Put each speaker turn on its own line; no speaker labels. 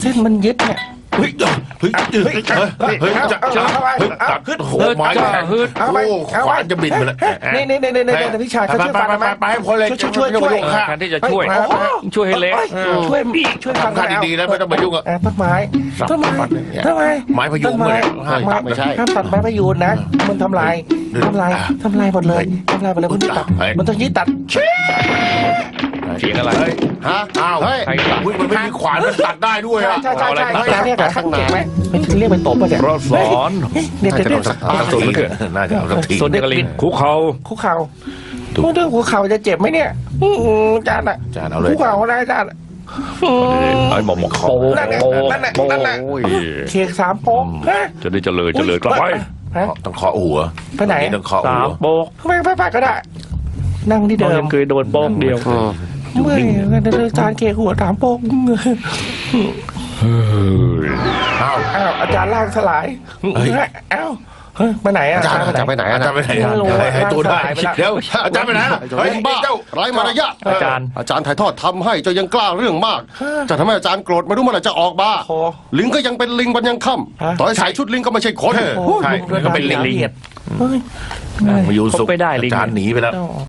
เส้นมันยึดเนี่ย
เฮ้ยตัดโอ้โหไม้แข็งโอ้ขวานจะบินไปแล้ว
นี่พี่ชายเขาช่วยฟังไหม
ไปคนเลย
ช่วย
แทนที่จะช่วยให้เละ
ช่วยฟัง
ทำท่าดีๆนะไม่ต้องมายุ่งอ่ะ
ต้นไม้ทำไม
ไม้พยุงเลย
ไม่ใช่ห้ามตัดไม้พยุงนะมันทำลายหมดเลยมันต้องตัดมันต้องยึดตัด
เสียงอะไร
ฮะอ้าวมันไม่มีขวานมันตัดได้ด้วยอ่ะ
ใช่เรียกข้างหน้าไหมไม่เรียกไปตบป่ะเนี่ย
เราสอน
เดี๋ยว
ส่วนมันเกิดน่าจะเอาสักที
ส่วนเด็กลิงคุกเขา
คุกเข่าเรื่องคุกเข่าจะเจ็บไหมเนี่ยจานอ่ะ
จานเอาเลย
คุกเข่าได้จาน
ไอ้หมอกโป้
นั่นแหละ
โอ้ย
เค้ก3 โป๊กฮะ
จะได้เจริญกลับไป
ต้องเคาะหัว
ไปไหน
ต้องเคาะหั
3
ว
โป๊ก
ไปก็ได้ นั่งที่เดิม
เคยโดนโป๊กเดียว
ไม่จานเค้กหัว3 โป๊ก
อ้าว
อาจารย์ล่างสลายอ้าวไปไหนอาจารย์ไปไหน
อาจารย์ไปไหนให้ตัวได้เดี๋ยวอาจารย์ไปไหน
เฮ้ยบ้าไร้มารยาท
อาจารย์
ถ่ายทอดทำให้เจ้ายังกล้าเรื่องมาก จะทำให้อาจารย์โกรธไม่รู้เมื่อไหร่จะออกมาลิงก็ยังเป็นลิงวันยังค่ำต่อให้ใส่ชุดลิงก็ไม่ใช่คน
ใช่ก็เป็นลิง
เฮ้ย
มาอยู่สุข
ไม่ได้ลิง
อาจารย์หนีไปแล้ว